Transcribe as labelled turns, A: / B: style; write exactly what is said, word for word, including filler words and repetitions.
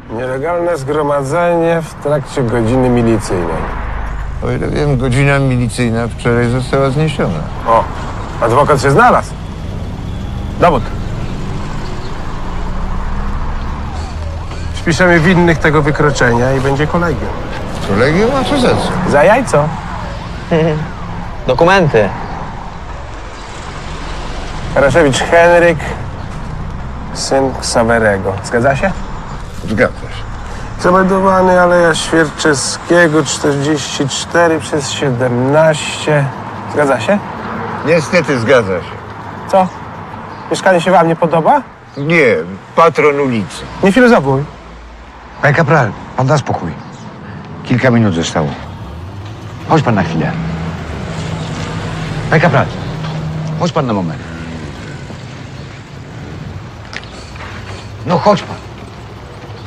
A: Nielegalne zgromadzenie w trakcie godziny milicyjnej.
B: O ile wiem, godzina milicyjna wczoraj została zniesiona.
A: O, adwokat się znalazł. Dowód. Wpiszemy winnych tego wykroczenia i będzie kolegium.
B: Kolegium, a co za co?
A: Za jajco.
C: Dokumenty.
A: Karaszewicz Henryk, syn Ksawerego. Zgadza się?
B: Zgadza się.
A: Zameldowany Aleja Świerczewskiego, czterdzieści cztery przez siedemnaście. Zgadza się?
B: Niestety zgadza się.
A: Co? Mieszkanie się wam nie podoba?
B: Nie, patron ulicy.
A: Nie filozofuj.
D: Panie kapral, pan da spokój. Kilka minut zostało. Chodź pan na chwilę. Panie kapral, chodź pan na moment. No chodź pan.